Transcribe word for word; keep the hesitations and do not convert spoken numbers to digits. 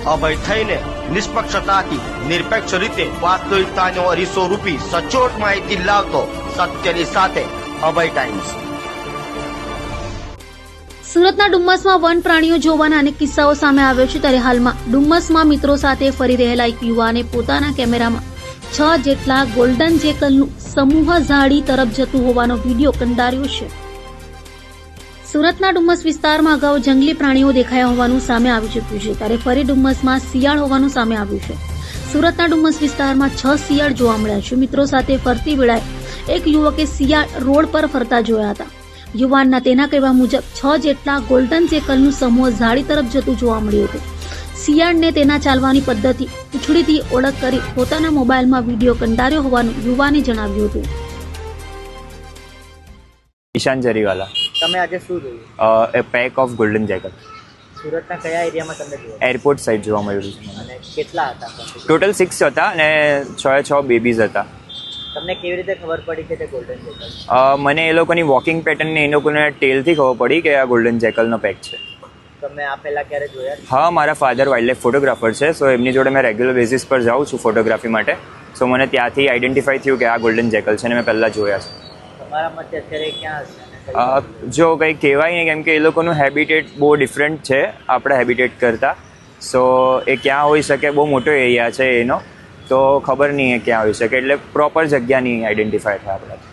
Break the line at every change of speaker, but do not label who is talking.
અભય થઈને નિષ્પક્ષતાથી નિરપેક્ષ રીતે વાસ્તવિકતાનો અરીસો રૂપી સચોટ માહિતી લાવતો સત્યની સાથે અભય ટાઈમ્સ.
સુરતના ડુમ્મસમાં વન પ્રાણીઓ જોવાના અનેક કિસ્સાઓ સામે આવ્યો છે. ત્યારે હાલમાં ડુમ્મસમાં મિત્રો સાથે ફરી રહેલા એક યુવાને પોતાના કેમેરામાં છ જેટલા ગોલ્ડન જેકલનું સમૂહ ઝાડી તરફ જતું હોવાનો વિડીયો કંડાર્યો છે. સુરતના ડુમ્મસ વિસ્તારમાં અગાઉ જંગલી પ્રાણીઓ દેખાયા હોવાનું સામે આવી ચૂક્યું છે. ત્યારે ફરી ડુમ્મસમાં શિયાળ હોવાનું સામે આવ્યું છે. સુરતના ડુમ્મસ વિસ્તારમાં છ શિયાળ જોવા મળ્યા છે. મિત્રો સાથે ફરતી વેળાએ એક યુવકે શિયાળ રોડ પર ફરતા જોયા હતા. યુવાનના તેના કહેવા મુજબ છ જેટલા ગોલ્ડન જેકલનું સમૂહ ઝાડી તરફ જતું જોવા મળ્યું હતું. શિયાળને તેના ચાલવાની પદ્ધતિ પૂંછડીથી ઓળખ કરી પોતાના મોબાઈલમાં વિડીયો કંડાર્યો હોવાનું યુવાને જણાવ્યું હતું.
ઈશાન જરીવાલા.
તમે આજે શું જોયું?
A pack of golden jackal
સુરતના કયા એરિયામાં તમને જોયું?
એરપોર્ટ સાઈડ જોવા મળ્યું છે.
અને કેટલા હતા?
ટોટલ સિક્સ હતા અને છ છ બેબીઝ હતા.
તમને કેવી રીતે ખબર પડી કે તે ગોલ્ડન જેકલ?
મને એ લોકોની વોકિંગ પેટર્ન ને એ લોકોને ટેલથી ખબર પડી કે આ ગોલ્ડન જેકલનો પેક છે.
તમે આ પહેલા ક્યારે જોયા?
હા, મારા ફાધર વાઇલ્ડ લાઈફ ફોટોગ્રાફર છે, સો એમની જોડે મેં રેગ્યુલર બેઝિસ પર જાઉં છું ફોટોગ્રાફી માટે. સો મને ત્યાંથી આઈડેન્ટિફાઈ થયું કે આ ગોલ્ડન જેકલ છે અને મેં પહેલાં જોયા છે.
તમારા મતે અત્યારે ક્યાં હશે?
જો કંઈ કહેવાય નહીં, કેમ કે એ લોકોનું હેબિટેટ બહુ ડિફરન્ટ છે આપણા હેબિટેટ કરતાં. સો એ ક્યાં હોઈ શકે, બહુ મોટો એરિયા છે એનો, તો ખબર નહીં એ ક્યાં હોઈ શકે, એટલે પ્રોપર જગ્યા નહીં આઈડેન્ટિફાય થાય આપણા.